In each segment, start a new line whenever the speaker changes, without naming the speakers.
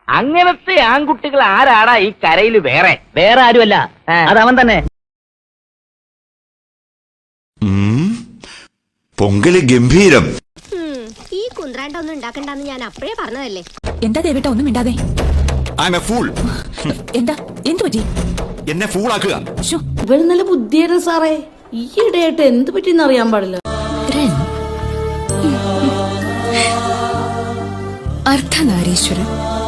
അങ്ങനത്തെ ആൺകുട്ടികൾ ആരാടാ ഈ കരയിൽ? വേറെ ആരുമല്ല, അതവൻ തന്നെ.
പൊങ്കല് ഗംഭീരം.
ഈ കുന്ത്രാണ്ട ഒന്നും ഉണ്ടാക്കണ്ടെന്ന് ഞാൻ അപ്പഴേ പറഞ്ഞതല്ലേ.
എന്താ ദേവേട്ട ഒന്നും മിണ്ടാതെ? എന്താ എന്തു പറ്റി?
എന്നെ ഫൂളാക്കുക.
ഇവര് നല്ല ബുദ്ധിയാണ് സാറേ. ഈയിടെയായിട്ട് എന്ത് പറ്റിയെന്ന് അറിയാൻ പാടില്ല.
അർദ്ധനാരീശ്വരൻ.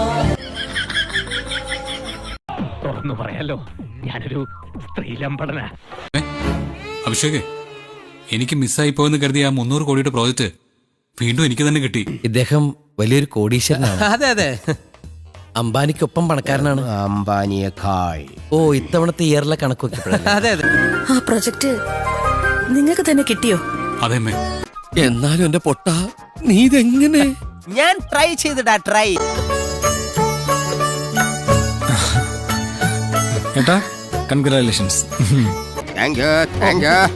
തുറന്നു പറയാലോ, ഞാനൊരു സ്ത്രീലമ്പടന.
അഭിഷേക്, എനിക്ക് മിസ്സായി പോയെന്ന് കരുതിയ 300 കോടിയുടെ പ്രോജക്റ്റ് വീണ്ടും എനിക്ക് തന്നെ കിട്ടി.
ഇദ്ദേഹം വലിയൊരു കോടീശ്വരനാണ്.
അതെ അതെ,
അംബാനിക്കൊപ്പം പണക്കാരനാണ്.
അംബാനിയേക്കാൾ.
ഓ, ഇത്തവണത്തെ ഇയറിലെ കണക്ക് നോക്കിയപ്പോഴല്ലേ?
അതെ അതെ.
ആ പ്രൊജക്ട് നിങ്ങൾക്ക് തന്നെ കിട്ടിയോ?
അതേമ്മേ.
എന്നാലും എന്റെ പൊട്ട, നീ ഇതെങ്ങനെ?
ഞാൻ ട്രൈ ചെയ്തിടാ, ട്രൈ.
ഏട്ടാ, congratulations.
Thank you, thank you.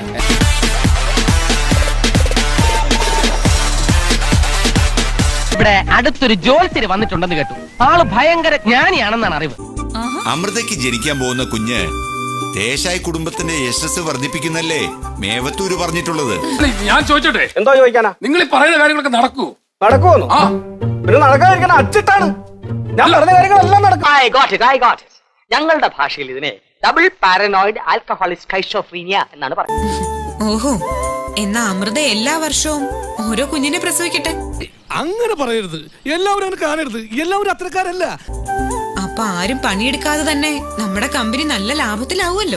ഇവിടെ അടുത്തൊരു ജോത്സ്യര് വന്നിട്ടുണ്ടെന്ന് കേട്ടു. ആള് ഭയങ്കര ജ്ഞാനിയാണെന്നാണ് അറിവ്.
അമൃതയ്ക്ക് ജനിക്കാൻ പോകുന്ന കുഞ്ഞ് ദേശായി കുടുംബത്തിന്റെ യശസ് വർദ്ധിപ്പിക്കുന്നല്ലേ മേവത്തൂര് പറഞ്ഞിട്ടുള്ളത്.
ഞാൻ ചോദിച്ചോട്ടെ?
എന്തോ ചോദിക്കാനാ?
നിങ്ങൾ ഈ പറയുന്ന കാര്യങ്ങളൊക്കെ നടക്കുമോ?
നടക്കുമെന്നു പിന്നെ നടക്കാതിരിക്കാൻ അച്ചിട്ടാണ്. ഞാൻ പറഞ്ഞ കാര്യങ്ങളെല്ലാം നടക്കും.
ഞങ്ങളുടെ ഭാഷയിൽ ഇതിനെ ഡബിൾ പാരനോയിഡ് ആൽക്കഹോളിക് സ്കൈസോഫ്രീനിയ എന്നാണ് പറയുന്നത്.
ഓഹോ, എന്നാ അമൃത എല്ലാ വർഷവും ഓരോ കുഞ്ഞിനെ പ്രസവിക്കട്ടെ.
അങ്ങനെ പറയരുത്, എല്ലാവരും അങ്ങനെ കാണരുത്. എല്ലാവരും അത്രക്കാരല്ല.
അപ്പൊ ആരും പണിയെടുക്കാതെ തന്നെ നമ്മുടെ കമ്പനി നല്ല ലാഭത്തിലാവുമല്ലോ.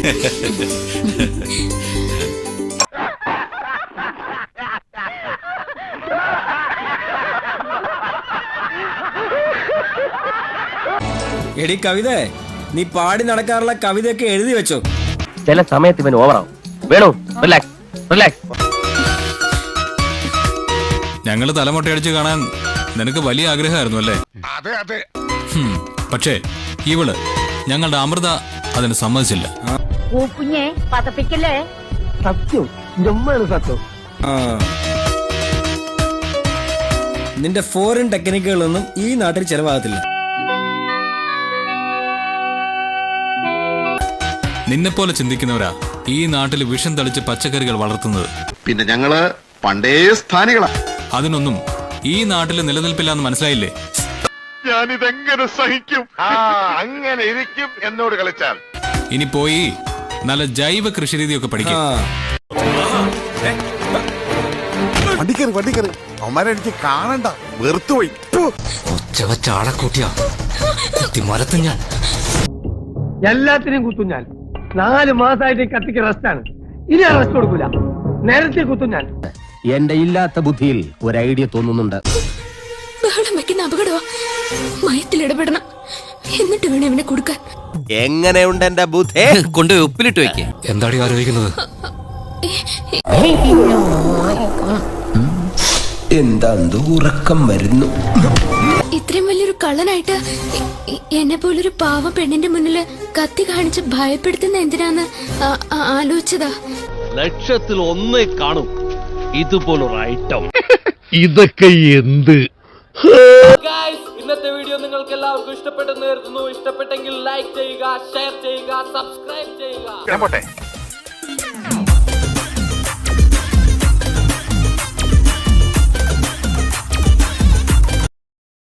എടി കവിത, നീ പാടി നടക്കാറുള്ള കവിതയൊക്കെ എഴുതി വെച്ചോ.
ചില സമയത്ത് ഇവൻ ഓവറാവും. Venu, relax relax.
ഞങ്ങള് തലമുട്ടയടിച്ച് കാണാൻ നിനക്ക് വലിയ ആഗ്രഹമായിരുന്നു അല്ലേ?
അതെ അതെ.
പക്ഷേ ഇവള്, ഞങ്ങളുടെ അമൃത, അതിന് സമ്മതിച്ചില്ല.
കുഞ്ഞെ പതപ്പിക്കല്ലേ.
സത്യം, സത്യം.
നിന്റെ ഫോറിൻ ടെക്നിക്കുകളൊന്നും ഈ നാട്ടിൽ ചെലവാകത്തില്ല.
നിന്നെപ്പോലെ ചിന്തിക്കുന്നവരാ ഈ നാട്ടിൽ വിഷം തളിച്ച് പച്ചക്കറികൾ വളർത്തുന്നത്.
പിന്നെ ഞങ്ങള് പണ്ടേ സ്ഥാനികളാ.
അതിനൊന്നും ഈ നാട്ടിൽ നിലനിൽപ്പില്ലാന്ന് മനസ്സിലായില്ലേ?
ഞാനിതെങ്ങനെ സഹിക്കും? അങ്ങനെ ഇരിക്കും എന്നോട് കളിച്ചാൽ.
ഇനി പോയി നല്ല ജൈവ കൃഷിരീതിയൊക്കെ പഠിക്കും.
വണ്ടിക്കറി അവന്മാരെ എനിക്ക് കാണണ്ട, വെറുത്തുപോയി.
ഞാൻ
എല്ലാത്തിനെയും കുത്തും ഞാൻ. 4 മാസമായിട്ട് കത്തിക്ക് റെസ്റ്റാണ്. ഇനി റെസ്റ്റ് കൊടുക്കൂല. നേരത്തെ കുത്തും ഞാൻ.
എന്റെ ഇല്ലാത്ത ബുദ്ധിയിൽ ഒരു ഐഡിയ തോന്നുന്നുണ്ട്.
ബഹളം വെക്കുന്ന അപകടമാ. മയത്തിലിടപെടണം, എന്നിട്ട് വേണം ഇവനെ കൊടുക്കാൻ.
എങ്ങനെയുണ്ട് എന്റെ ബുദ്ധി?
കൊണ്ടുപോയി ഉപ്പിലിട്ട് വെക്കേ.
എന്താടി ആലോചിക്കുന്നത്?
എന്താ ഉറക്കം വരുന്നു?
ഇത്രയും വലിയൊരു കള്ളനായിട്ട് എന്നെ പോലൊരു പാവ പെണ്ണിന്റെ മുന്നില് കത്തി കാണിച്ച് ഭയപ്പെടുത്തുന്ന എന്തിനാന്ന് ആലോചിച്ചതാ.
ലക്ഷത്തിൽ 1 കാണും ഇതുപോലൊരു ഐറ്റം.
ഇതൊക്കെ എന്ത്?
ഇന്നത്തെ വീഡിയോ നിങ്ങൾക്ക് എല്ലാവർക്കും ഇഷ്ടപ്പെട്ടെന്ന് കരുതുന്നു. ഇഷ്ടപ്പെട്ടെങ്കിൽ ലൈക്ക് ചെയ്യുക, ഷെയർ ചെയ്യുക, സബ്സ്ക്രൈബ് ചെയ്യുക.